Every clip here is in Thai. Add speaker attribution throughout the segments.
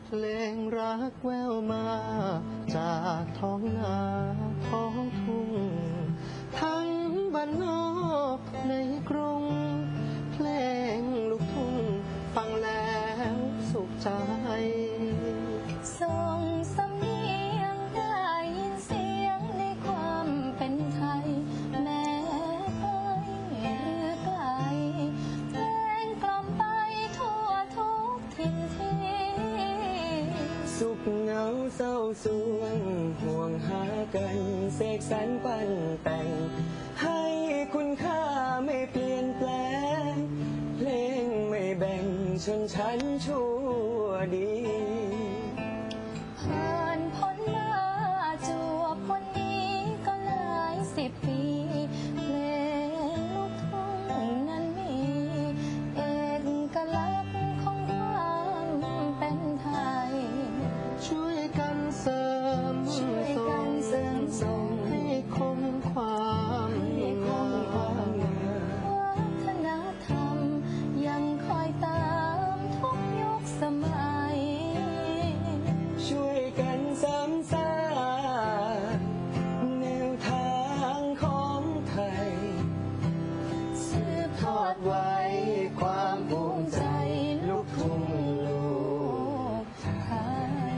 Speaker 1: เพลงรักแววมาจากท้องนาท้องทุ่งทั้งบ้านนอกในกรุงเพลงลูกทุ่งฟังแล้วสุขใจ
Speaker 2: ส่งสำเนียงได้ยินเสียงในความเป็นไทยแม้ไกลหรือไกลเพลงกล่อมไปทั่วทุกถิ่นที่
Speaker 1: สุขเหงาเศร้าสวงห่วงหากันเสกสรรปั้นแต่งให้คุณค่าไม่เปลี่ยนแปลงเพลงไม่แบ่งชนชั้นชั่วดี
Speaker 2: ผ่านพ้นมาจวบวันนี้ก็หลาย10 ปีเพลงลูกทุ่งนั้นมีเอกลักษณ์ของความเป็นไทย
Speaker 1: ช่วยกันเสริมส่งให้คงความงาม
Speaker 2: วัฒนธรรมยังคอยตามทุกยุคสมัย
Speaker 1: ช่วยกันสานสร้างแนวทางของไทยสืบทอดไว้ความภูมิใจลูกทุ่งลูกไทย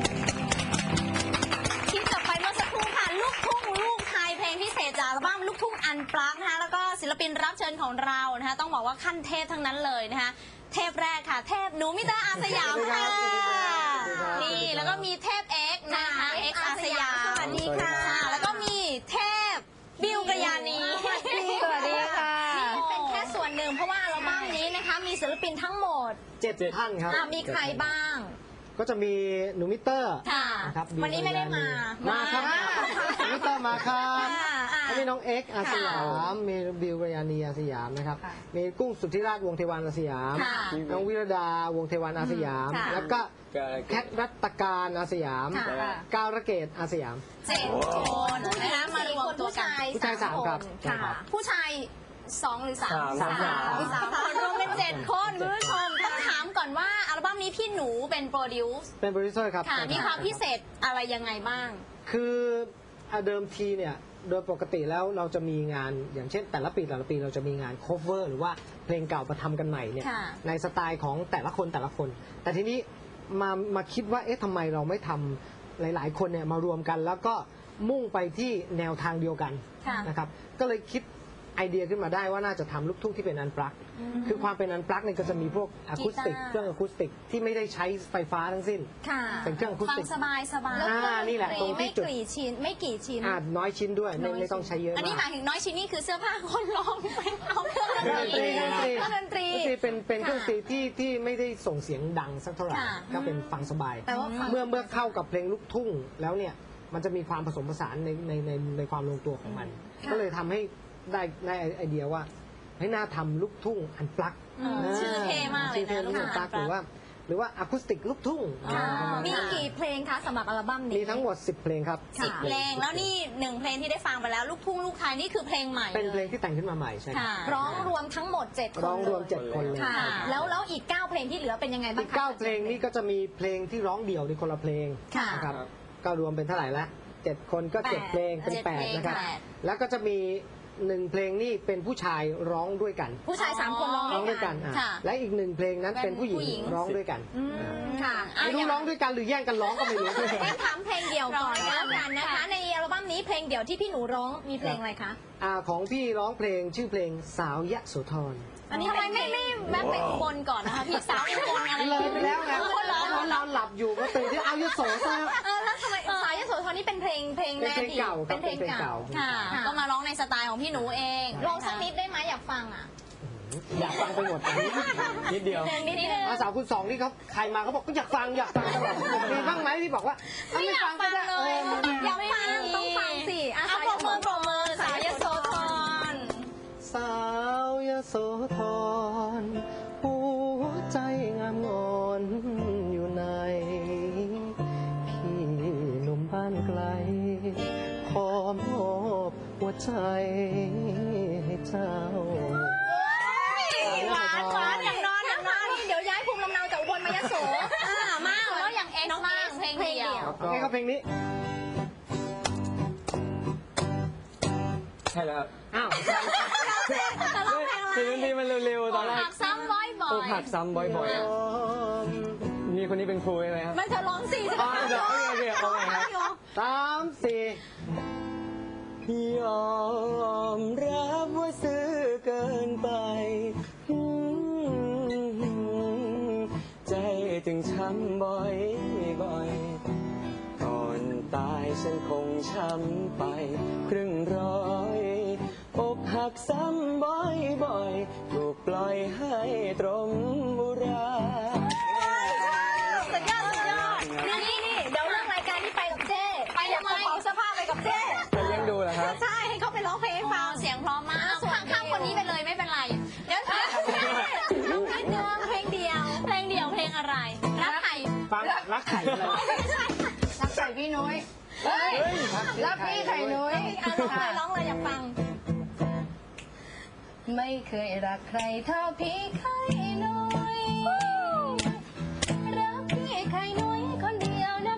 Speaker 3: ที่จบไปเมื่อสักครู่ค่ะลูกทุ่งลูกไทยเพลงพิเศษจากอัลบั้มลูกทุ่งอันปลั๊กนะคะแล้วก็ศิลปินรับเชิญของเรานะคะต้องบอกว่าขั้นเทพทั้งนั้นเลยนะคะเทพแรกค่ะเทพหนูมิเตอร์อาสยามค่ะนี่แล้วก็มีเทพเอ็กนะคะเอ็กอาสยามสวัสดีค่ะแล้วก็มีเทพบิวกระยานี
Speaker 2: สวัสดีค่ะ
Speaker 3: นี่เป็นแค่ส่วนหนึ่งเพราะว่าอัลบั้มนี้นะคะมีศิลปินทั้งหมด
Speaker 1: 7 ท่านครับ
Speaker 3: มีใครบ้าง
Speaker 1: ก็จะมีหนูมิเตอร์
Speaker 3: นะครับวันนี้ไม่ได้มา
Speaker 1: ครับหนูมิเตอร์มาครับมีน้องเอ็กอาสยามมีบิวกระยานีอาสยามนะครับมีกุ้งสุทธิราชวงศ์เทวันอาสยามน้องวิรดาวงศ์เทวันอาสยามแล้วก็แคทรัตการอาสยามก้าวระเกตอาสยาม
Speaker 3: 7 คนนะคะมารวมตัวกัน
Speaker 1: ผู้ชาย3ครับ
Speaker 3: ผู้ชาย2 หรือ 3 คนรวมเป็น7 คนคุณผู้ชมต้องถามก่อนว่าอัลบั้มนี้พี่หนูเป็นโปรดิว
Speaker 1: เซอร์ครับ
Speaker 3: มีความพิเศษอะไรยังไงบ้าง
Speaker 1: คือเดิมทีเนี่ยโดยปกติแล้วเราจะมีงานอย่างเช่นแต่ละปีเราจะมีงาน cover หรือว่าเพลงเก่ามาทำกันใหม่เนี่ยในสไตล์ของแต่ละคนแต่ทีนี้มาคิดว่าเอ๊ะทำไมเราไม่ทำหลายๆคนเนี่ยมารวมกันแล้วก็มุ่งไปที่แนวทางเดียวกันนะครับก็เลยคิดไอเดียขึ้นมาได้ว่าน่าจะทำลูกทุ่งที่เป็นอันปลั๊กคือความเป็นอันปลั๊กเนี่ยก็จะมีพวกอะคูสติกเครื่องอะคูสติกที่ไม่ได้ใช้ไฟฟ้าทั้งสิ้นเป็นเครื่องอะคูสติก
Speaker 3: ฟังสบาย
Speaker 1: นี่แหละตรงที่จุด
Speaker 3: ไม่กี่ชิ้น
Speaker 1: น้อยชิ้นด้วยไม่ต้องใช้เยอะ
Speaker 3: อันนี้หมายถึงน้อยชิ้นนี่คือเสื้อผ้าคนร้องเอาเครื่องดนตรี
Speaker 1: เป็นเครื่องดนตรีที่ไม่ได้ส่งเสียงดังสักเท่าไหร่ก็เป็นฟังสบายเมื่อเข้ากับเพลงลูกทุ่งแล้วเนี่ยมันจะมีความผสมผสานในความลงตัวของมันก็เลยทำให้ได้ไอเดียว่าให้น่าทำลูกทุ่งอันปลั๊ก
Speaker 3: ชื่อเท่มากเลยนะ
Speaker 1: ลูกทุ่งอันปลั๊กหรือว่าอะคูสติกลูกทุ่ง
Speaker 3: มีกี่เพลงคะสำหรับอัลบั้มนี้
Speaker 1: มีทั้งหมด10 เพลงครับ
Speaker 3: 10 เพลงแล้วนี่1 เพลงที่ได้ฟังไปแล้วลูกทุ่งลูกไทยนี่คือเพลงใหม่
Speaker 1: เป็นเพลงที่แต่งขึ้นมาใหม่ใช่
Speaker 3: ร้องรวมทั้งหมด7 คน
Speaker 1: ร้องรวม7 คนเลย
Speaker 3: แล้วอีก9 เพลงที่เหลือเป็นยังไงบ้าง
Speaker 1: อีก9 เพลงนี่ก็จะมีเพลงที่ร้องเดี่ยวในคนละเพลงนะครับก็รวมเป็นเท่าไหร่ละ7 คนก็7 เพลงเป็น8นะครับแล้วก็จะมี1 เพลงนี่เป็นผู้ชายร้องด้วยกัน
Speaker 3: ผู้ชาย3 คนร้อง
Speaker 1: ด้วยกันและอีก1 เพลงนั้นเป็นผู้หญิงร้องด้วยกันไม่รู้ร้องด้วยกันหรือแย่งกันร้องก็ไม่รู้
Speaker 3: ถามเพลงเดี่ยวก่อนแล้วกันนะคะในอัลบั้มนี้เพลงเดี่ยวที่พี่หนูร้องมีเพลงอะไรคะ
Speaker 1: ของพี่ร้องเพลงชื่อเพลงสาวยโสธร
Speaker 3: อันนี้ทำไมไม่แวะไปอุบลก่อนนะคะพี่สาวอุบลอะไร
Speaker 1: เลยไปแล้วไงเราหลับอยู่ก็ตื่นที่เอายโสซะ
Speaker 3: แล้วทำไมสาวยโสธรนี่เป็นเพลงแรกที่
Speaker 1: เป็นเพลงเก่า
Speaker 3: ค่ะก็มาร้องในสไตล์ของพี่หนูเองร้องสักนิดได้ไหมอยากฟัง
Speaker 1: อยากฟังไปหมดนิดเดียวสาวคุณ2นี่เขาใครมาเขาบอกก็อยากฟังตลอดมีบ้างไหมที่บอกว่า
Speaker 3: ไม่ฟังเลยอยากฟังต้องฟังสิเอาปรบมือสาวยโสธร
Speaker 1: สาวยโสธรหัวใจงามงอนอยู่ในพี่หนุ่มบ้านไกลขอมอบหัวใจให้เจ้า
Speaker 3: หวานอย่างนอนนี่เดี๋ยวย้ายภูมิลำเนาจากอุบลมายโสมากแล้วอย่างเพลงเดียว
Speaker 1: โอเคครับเพลงนี้
Speaker 4: ใช่แล้วครับ
Speaker 1: อ้าว
Speaker 3: แต่ร้องเพลงอะไร
Speaker 4: เพลงนี้มันเร็วๆตอนแรก
Speaker 3: หักซ้ำบ่อย
Speaker 4: อกหักซ้ำบ่อยๆอะมีคนนี้เป็นครูใช่ไหมครับ
Speaker 3: ไม่เธอร้องสิ
Speaker 4: อ๋อเดี๋ยวโอเคเอาใหม่ครับ
Speaker 1: 3 4
Speaker 4: ยอมรับว่าซื้อเกินไป ใจถึงช้ำบ่อยก่อนตายฉันคงช้ำไปครึ่งร้อยอกหักซ้ำบ่อยถูกปล่อยให้ตรมบุรา
Speaker 2: สุดยอดนี่เดี๋ยวเรื่องรายการที่ไปกับเจ้ไปทำไมเอาเสื้อผ้าไปกับเจ้
Speaker 4: จะเลี้ยงดูเหรอครับ
Speaker 2: ใช่ให้เขาไปร้องเพลงให้ฟัง
Speaker 3: เสียงเพราะมากข้ามคนนี้ไปเลยไม่เป็นไร เดี๋ยว
Speaker 2: น้องนิดนึงเพลงเดียว
Speaker 3: เพลงเดียวเพลงอะไรรักใคร
Speaker 1: ฟังรักไข่อะไร
Speaker 2: รักใส่พี่นุ้ยเฮ้ยรักพี่ไข่นุ้ยร้องเลยอยากฟัง ไม่เคยรักใครเท่าพี่ไข่นุ้ยรักพี่ไข่นุ้ยคนเดียวนะ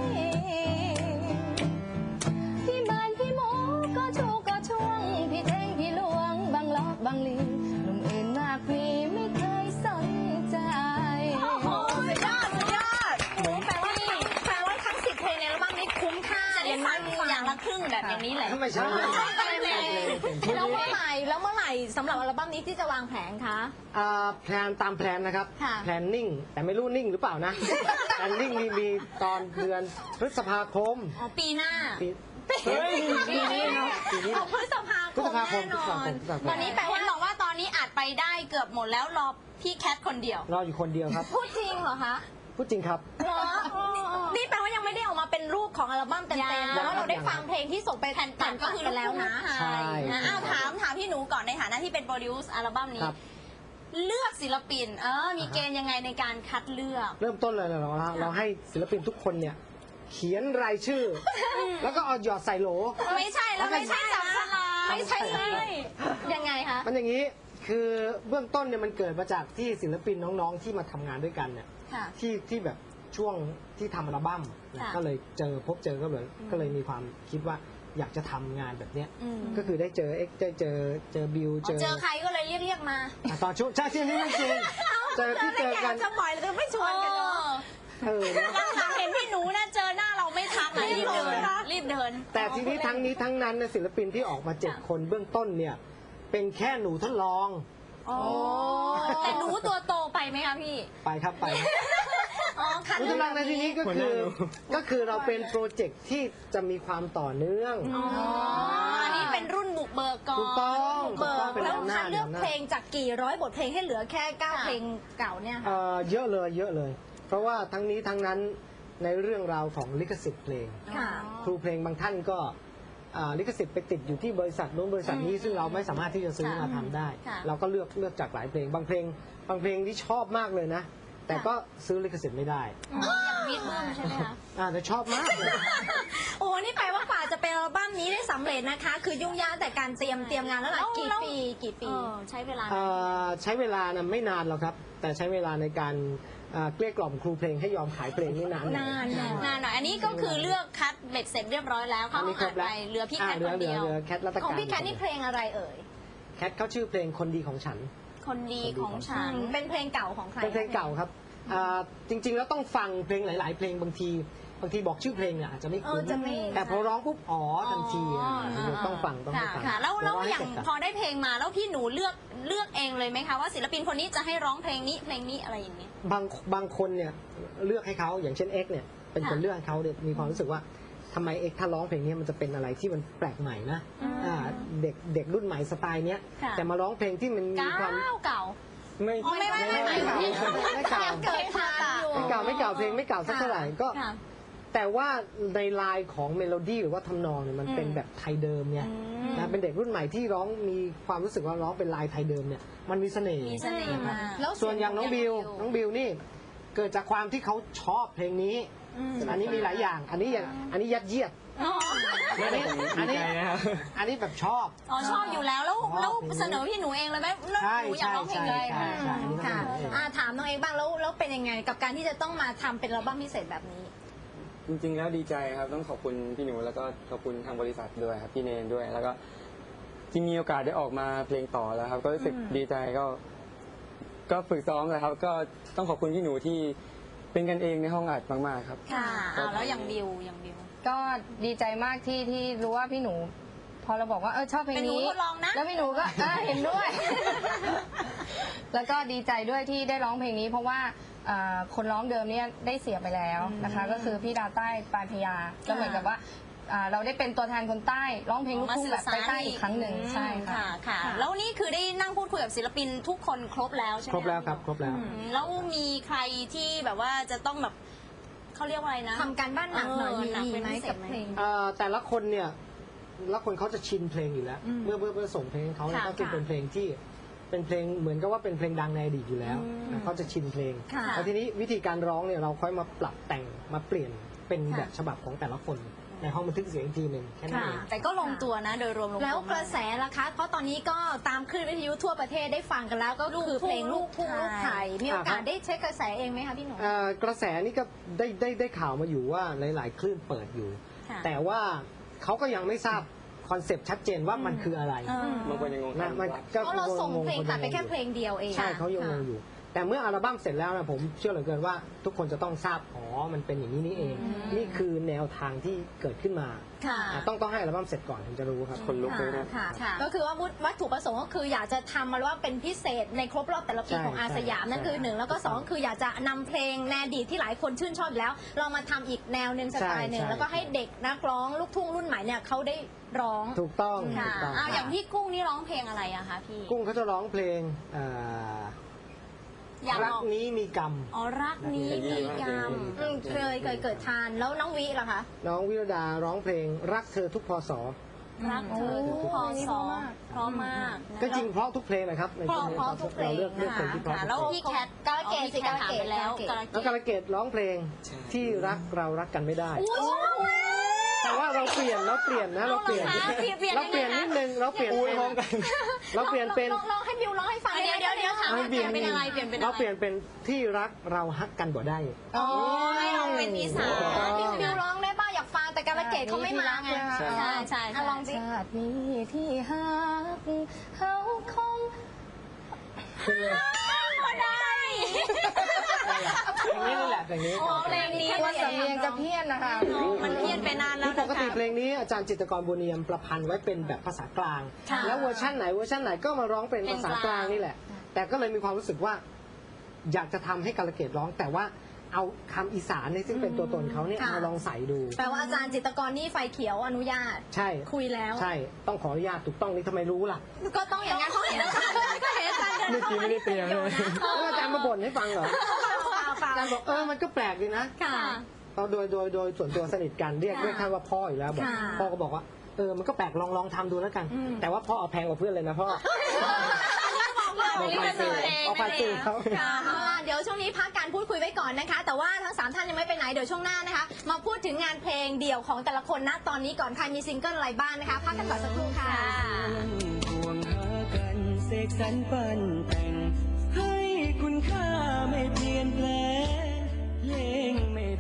Speaker 2: พี่บ้านพี่หมูก็ชูก็ช่วงพี่แทงพี่หลวงบางลอกบางลีหนุ่มอื่นมากพี่ไม่เคยสนใจโอ้โหสุดยอดโอ้โหแปลว่าทั้ง10 เพลงในอัลบั้มนี้คุ้มค่า
Speaker 3: จะได้ฟังอย่างละครึ่งแบบอย่างนี้แหละ
Speaker 1: ไม่ใช่
Speaker 2: แล้วเมื่อไหร่สำหรับอัลบั้มนี้ที่จะวางแผนคะ
Speaker 1: แพลนตามแพลนนะครับ
Speaker 2: ค่ะ
Speaker 1: แพลนนิ่งแต่ไม่รู้นิ่งหรือเปล่านะ แพลนนิ่งมีตอนเดือนพฤษภาคม
Speaker 3: อ๋อปีหน้า
Speaker 1: ปี
Speaker 4: เฮ้ย
Speaker 1: ปีนี้ครับปีนี้
Speaker 2: เอาพฤษภาคมแน่นอน
Speaker 3: ตอนนี้แปลว่าบอกว่าตอนนี้อัดไปได้เกือบหมดแล้วรอพี่แคทคนเดียว
Speaker 1: รออยู่คนเดียวครับ
Speaker 2: พูดจริงเหรอคะ
Speaker 1: พูดจริงครับ
Speaker 2: เหรอนี่แปลว่ายังไม่ได้ออกมาเป็นรูปของอัลบั้มเต็ม
Speaker 3: ยัง
Speaker 2: ๆแต่ว่าเราได้ฟังเพลงที่ส่งไปแผ่น
Speaker 3: ตัดก็คือ
Speaker 2: ไปแล้วนะ
Speaker 1: ใช่
Speaker 3: อ้าวถามพี่หนูก่อนในฐานะที่เป็นโปรดิวซ์อัลบั้มนี้
Speaker 1: ครับ
Speaker 3: เลือกศิลปินมีเกณฑ์ยังไงในการคัดเลือก
Speaker 1: เริ่มต้นเลยเราให้ศิลปินทุกคนเนี่ย เขียนรายชื่อ แล้วก็เอาหยอดใส่โหล
Speaker 3: ไม่ใช่แล้วไม่ใช่จับสลาก
Speaker 2: ไม่ใช่เลยยังไงคะ
Speaker 1: มันอย่างนี้คือเบื้องต้นเนี่ยมันเกิดมาจากที่ศิลปินน้องๆที่มาทำงานด้วยกันเนี่ย
Speaker 3: ค่ะ
Speaker 1: ที่แบบช่วงที่ทำอัลบั้มเนี่ย
Speaker 3: ค่ะ
Speaker 1: ก็เลยพบเจอก็เลยมีความคิดว่าอยากจะทำงานแบบเนี้ย
Speaker 3: อืม
Speaker 1: ก็คือได้เจอเอ็กได้เจอบิว
Speaker 3: เจอใครก็เลยเรียกมา
Speaker 1: ตอนช่วงใช่ที่นี่จริงเจอที่เจอกัน
Speaker 2: จะบ่อยเลยไม่ชวนกันเนาะ
Speaker 3: หลังๆเห็นพี่หนูนะเจอหน้าเราไม่ทักนะรีบเดินรีบเดิน
Speaker 1: แต่ทีนี้ทั้งนี้ทั้งนั้นเนี่ยศิลปินที่ออกมา
Speaker 3: ค่ะ
Speaker 1: 7 คนเบื้องต้นเนี่ยเป็นแค่หนูทดลอง
Speaker 3: โอ้แต่หนูตัวโตไปไหมคะพี่
Speaker 1: ไปครับไปครับ
Speaker 3: อ๋อคัด
Speaker 1: หนูทดลองในที่นี้ก็
Speaker 4: หัวห
Speaker 1: คื
Speaker 4: น้า
Speaker 1: อ
Speaker 4: หนู
Speaker 1: ก็คือเราเป็นโปรเจกต์ที่จะมีความต่อเนื่อง
Speaker 3: อ๋ออันนี้เป็นรุ่นบุกเบิกก่อน
Speaker 1: ถูกต้อง
Speaker 2: เบิก
Speaker 1: เป็น
Speaker 2: แล้ว
Speaker 1: แนวหน้า
Speaker 2: คัดเลือก
Speaker 1: แนวหน้า
Speaker 2: เพลงจากกี่ร้อยบทเพลงให้เหลือแค่9เพลงเก่าเนี่ยค่ะ
Speaker 1: เยอะเลย เพราะว่าทั้งนี้ทั้งนั้นในเรื่องราวของลิขสิทธิ์เพลง
Speaker 2: ค่ะ
Speaker 1: ครูเพลงบางท่านก็ลิขสิทธิ์ไปติดอยู่ที่บริษัทนู้นบริษัทนี้ซึ่งเราไม่สามารถที่จะซื้อมาทำได้
Speaker 3: ค่ะ
Speaker 1: เราก็เลือกจากหลายเพลงบางเพลงที่ชอบมากเลยนะ แต่ก็ซื้อลิขสิทธิ์ไม่ได้
Speaker 3: อย่างมิดเบิ้มใช่ไหมคะ
Speaker 1: แต่ชอบมากเลย
Speaker 2: โอ้นี่แปลว่ากว่าจะเป็นอัลบั้มนี้ได้สำเร็จนะคะ คือยุ่งยากแต่การเตรียมงานแล้วหลายกี่ปี
Speaker 3: ใช้เวลา
Speaker 1: ใช้เวลานะไม่นานหรอกครับ แต่ใช้เวลาในการเกลี้ยกล่อมครูเพลงให้ยอมขายเพลงนี่นานหน่อย
Speaker 3: นานหน่อยอันนี้ก็คือเลือกคัดเบ็ดเสร็จเรียบร้อยแล้วเขา
Speaker 1: อันนี้คร
Speaker 3: อ่า
Speaker 1: บ
Speaker 3: น
Speaker 1: แล้ว
Speaker 3: ไปเหลือพี่แคทคนเดียว
Speaker 1: เหลือแคทรัต
Speaker 2: ของ
Speaker 1: การ
Speaker 2: พี่แคทนี่เพลงอะไรเอ่ย
Speaker 1: แคทเขาชื่อเพลงคนดีของฉัน
Speaker 3: คนดีของฉัน
Speaker 2: เป็นเพลงเก่าของใคร
Speaker 1: เป็นเพลงเก่าครับจริงๆแล้วต้องฟังเพลงหลาย ๆ เพลงบางทีบอกชื่อเพลงเนี่ยอาจจะไม่คุ้น
Speaker 2: จะไม่
Speaker 1: แต่พอร้องปุ๊บทันที ต้องฟัง
Speaker 3: ค่ะแล้ว
Speaker 1: เดี๋
Speaker 3: อย่าง
Speaker 1: ให้เสร็จ
Speaker 3: พอได้เพลงมาแล้วพี่หนูเลือกเองเลยไหมคะว่าศิลปินคนนี้จะให้ร้องเพลงนี้อะไรอย่างนี้
Speaker 1: บางคนเนี่ยเลือกให้เขาอย่างเช่นเอ็กเนี่ยเป็นคน
Speaker 3: ค่ะ
Speaker 1: เลือกให้เขาเนี่ยมีความรู้สึกว่าทำไมเอ็กถ้าร้องเพลงนี้มันจะเป็นอะไรที่มันแปลกใหม่นะเด็กรุ่นใหม่สไตล์เนี้ย
Speaker 3: ค่ะ
Speaker 1: แต่มาร้องเพลงที่มันมีความ
Speaker 3: เก่า
Speaker 4: ไม่
Speaker 3: อ๋อไม่
Speaker 1: ไม่เก่า
Speaker 2: เกิดทันอยู่
Speaker 1: ไม่เก่าเพลงไม่เก่าสักเท่าไหร่ก็
Speaker 3: ค่ะ
Speaker 1: แต่ว่าในลายของเมโลดี้หรือว่าทำนองเนี่ยมันเป็นแบบไทยเดิมเนี่ยนะเป็นเด็กรุ่นใหม่ที่ร้องมีความรู้สึกว่าร้องเป็นลายไทยเดิมเนี่ยมันมีเสน่ห์
Speaker 3: มีเสน่ห์มาก
Speaker 2: แล้ว
Speaker 1: ส่วนอย่างน้องบิวนี่เกิดจากความที่เขาชอบเพลงนี้ อันนี้มีหลายอย่าง อันนี้ยัดเยียด
Speaker 3: อ๋อ
Speaker 1: อันนี้
Speaker 4: ดีใจนะครับ
Speaker 1: อันนี้แบบชอบ
Speaker 3: อ๋อชอบอยู่แล้วแล้วเสนอพี่หนูเองเลยไหมแล้วหนูอยากร้องเพลงเลย
Speaker 1: ใช่
Speaker 2: ค่ะถามน้องเอกบ้างแล้วเป็นยังไงกับการที่จะต้องมาทำเป็นอัลบั้มพิเศษแบบนี้
Speaker 4: จริงๆแล้วดีใจครับต้องขอบคุณพี่หนูแล้วก็ขอบคุณทางบริษัทด้วยครับพี่เนนด้วย แล้วก็ที่มีโอกาสได้ออกมาเพลงต่อแล้วครับ ก็รู้สึกดีใจก็ฝึกซ้อมเลยครับ ก็ต้องขอบคุณพี่หนูที่เป็นกันเองในห้องอัดมากๆครับ
Speaker 3: ค่ะแล้วอย่างบิว
Speaker 2: ก็ดีใจมากที่รู้ว่าพี่หนู พอเราบอกว่าชอบเพลง
Speaker 3: เป็นหนู
Speaker 2: นี้
Speaker 3: ทดลองนะ
Speaker 2: แล้วพี่หนูก็เห็นด้วย แล้วก็ดีใจด้วยที่ได้ร้องเพลงนี้ เพราะว่าคนร้องเดิมเนี่ยได้เสียไปแล้วนะคะ ก็คือพี่ดาวใต้ปลายพญาก็เหมือนกับว่าเราได้เป็นตัวแทนคนใต้ร้องเพลงลูกทุ่งแบบใต้อีกครั้งหนึ่งใช่ค่ะ
Speaker 3: ค่ะแล้วนี่คือได้นั่งพูดคุยกับศิลปินทุกคนครบแล้วใช่ไหม
Speaker 1: ครบแล้วครับครบแล้ว
Speaker 3: แล้วมีใครที่แบบว่าจะต้องแบบเขาเรียกว่าอะไรนะ
Speaker 2: ทำการบ้านหนักหน่อยมี
Speaker 3: หนักเป็น
Speaker 2: ไหม
Speaker 3: พิเศษ
Speaker 2: กับเพลง
Speaker 1: แต่ละคนเนี่ยละคนเขาจะชินเพลงอยู่แล้ว เมื่อส่งเพลงให้เขาเนี่ย
Speaker 3: ค่ะ
Speaker 1: ก็คือเป็นเพลงที่เป็นเพลงเหมือนกับว่าเป็นเพลงดังในอดีตอยู่แล้วนะเขาจะชินเพลง
Speaker 3: ค่ะ
Speaker 1: แล้วทีนี้วิธีการร้องเนี่ยเราค่อยมาปรับแต่งมาเปลี่ยนเป็นแบบฉบับของแต่ละคนในห้องบันทึกเสียงอีกทีหนึ่งแค่นั้น
Speaker 3: ค่ะ
Speaker 1: เอง
Speaker 3: แต่ก็ลงตัวนะโดยรวมลงตัว
Speaker 5: แล้วกระแสล่ะคะ เพราะตอนนี้ก็ตามคลื่นวิทยุทั่วประเทศได้ฟังกันแล้วก็คือเพลงลูกทุ่งลูกไทยมีโอกาสได้เช็คกระแสเองไหมคะพี่หนู
Speaker 1: กระแสนี่ก็ได้ข่าวมาอยู่ว่าหลายๆคลื่นเปิดอยู่
Speaker 3: ค่ะ
Speaker 1: แต่ว่าเขาก็ยังไม่ทราบคอนเซปต์ชัดเจนว่ามันคืออะไร
Speaker 4: บางคนยังงง
Speaker 1: นะมัน
Speaker 4: ว่า
Speaker 1: ก็
Speaker 5: เพราะเราส่งเพลง
Speaker 1: คน
Speaker 5: ตัดไป
Speaker 1: ยัง
Speaker 5: แค่
Speaker 1: อยู่
Speaker 5: เพลงเดียวเอง
Speaker 1: ใช่เขายังงง
Speaker 5: ค่ะ
Speaker 1: อยู่ แต่เมื่ออัลบั้มเสร็จแล้วนะผมเชื่อเหลือเกินว่าทุกคนจะต้องทราบมันเป็นอย่างนี้นี่เอง นี่คือแนวทางที่เกิดขึ้นมา
Speaker 3: ค่ะ
Speaker 1: ต้องให้อัลบั้มเสร็จก่อนถึงจะรู้ครับ
Speaker 4: คนลุกเลยนะ
Speaker 5: ค่ะ
Speaker 3: ค่ะ
Speaker 5: ก็คือว่าวัตถุประสงค์ก็คืออยากจะทำมาว่าเป็นพิเศษในครบรอบแต่ละปี
Speaker 1: ใช่
Speaker 5: ของอาสยามนั่นคือหนึ่งแล้วก็สองคืออยากจะนำเพลงในอดีตที่หลายคนชื่นชอบอยู่แล้ว เรามาทำอีกแนวหนึ่งสไตล์หนึ่ง
Speaker 1: ใช่
Speaker 5: แล้วก็ให้เด็กนักร้องลูกทุ่งรุ่นใหม่เนี่ยเขาได้ร้อง
Speaker 1: ถูกต้อง
Speaker 3: ค่ะ
Speaker 1: ถูกต้อง
Speaker 3: อย่างพี่กุ้งนี่ร้องเพลงอะไรอะคะพี่
Speaker 1: กุ้งเขาจะร้องเพลง
Speaker 3: อยาก
Speaker 1: รัก
Speaker 3: บอก
Speaker 1: นี้มีกรรม
Speaker 3: อ๋อรักนี้มีกรรม
Speaker 5: เคยเกิดทานแล้วน้องวิล่ะคะ
Speaker 1: น้องวิรดาร้องเพลงรักเธอทุกพศ
Speaker 3: รักเธอทุกพอสอเพราะมาก
Speaker 1: ก็จริงเพราะทุกเพลงนะครับในช่วงนี้
Speaker 5: เพราะทุกเพลง
Speaker 1: เราเลือกเพลงที่เพราะ
Speaker 3: ค่ะ
Speaker 1: ทุก
Speaker 3: แล้ว
Speaker 1: เพลง
Speaker 3: พี่แคท
Speaker 5: กาลเกตสิ
Speaker 3: ถามไปแล้ว
Speaker 5: กาลเกต
Speaker 1: แล้วกาลเกตร้องเพลง
Speaker 4: ใช่
Speaker 1: ที่รักเรารักกันไม่ได้ แต่ว่าเราเปลี่ยนนะเราเปลี่ยน
Speaker 3: เราเปลี่ยน
Speaker 1: นิดนึงเราเปลี่ยนเป็นเราเปลี่ยนเป็น
Speaker 5: ลองให้บิวร้องให้ฟัง
Speaker 3: เดี๋ยวถามว่าเปลี่ยนเป็นอะไรเปลี่ยนเป็นอะไร
Speaker 1: เราเปลี่ยนเป็นที่รักเราฮักกันบ่ได้
Speaker 3: อ๋อให้เราเป็นอีสาน
Speaker 5: บิวร้องได้บ้างอยากฟังแต่กาลเกตเขาไม่มาไง
Speaker 4: ใช่
Speaker 3: ใช่
Speaker 5: ลองสิ
Speaker 2: ชาตินี้ที่ฮักเขาคง
Speaker 3: ก็ได้
Speaker 1: เพลงนี้นี่แหละเพลงนี้
Speaker 3: อ๋อเพลงนี้
Speaker 2: ว่าสำเนียงจะเพี้ยนนะคะ
Speaker 3: มันเพี้ยนไปนานแล้ว
Speaker 1: ป
Speaker 3: นะ
Speaker 1: กติ
Speaker 3: คะ
Speaker 1: เพลงนี้อาจารย์จิตรกรบุญเนียมประพันธ์ไว้เป็นแบบภาษากลาง
Speaker 3: ค่ะ
Speaker 1: แล้วเวอร์ชันไหนก็มาร้องเป็นภาษากลางนี่แหละ แต่ก็เลยมีความรู้สึกว่า อยากจะทำให้กาลเกตร้อง แต่ว่าเอาคำอีสานเนี่ยซึ่งเป็นตัวตนเขาเนี่ย
Speaker 5: ค่ะ
Speaker 1: มาลองใส่ดู
Speaker 5: แปลว่าอาจารย์จิตรกรนี่ไฟเขียวอนุญาต
Speaker 1: ใช่
Speaker 5: คุยแล้ว
Speaker 1: ใช่ต้องขออนุญาตถูกต้องนี่ทำไมรู้ล่ะ
Speaker 5: ก็ต้องอย่างนั้นเพราะเห็นอาจารย์ก็เห็นอาจารย์เดิน
Speaker 4: เมื่อกี้ไม่ได้เตรียมเลย
Speaker 1: แล้วอาจารย์มาบ่นให้ฟังเหรอ
Speaker 5: เปล่า
Speaker 1: อาจารย์บอกมันก็แปลกดีนะ
Speaker 5: ค่ะ
Speaker 1: เราโดยส่วนตัวสนิทกันเรียกท่านว่าพ่ออยู่แล้วบอก
Speaker 5: ค่ะ
Speaker 1: พ่อก็บอกว่ามันก็แปลกลองทำดูแล้วกัน แต่ว่าพ่อเอาแพงกว่าเพื่อนเลยนะพ่อ บอกผ่านสื่อเอาผ่านสื่อเขา
Speaker 5: เดี๋ยวช่วงนี้พักการพูดคุยไว้ก่อนนะคะ แต่ว่าทั้ง 3 ท่านยังไม่ไปไหน เดี๋ยวช่วงหน้านะคะ มาพูดถึงงานเพลงเดี่ยวของแต่ละคนนะตอนนี้ก่อนใครมีซิงเกิลอะไรบ้างนะคะ พักกันก่อนสักครู่ค่ะ
Speaker 4: ห่วงหากันเสกสรรปั้นแต่ง ให้คุณค่าไม่เปลี่ยนแปลงเพลงไม่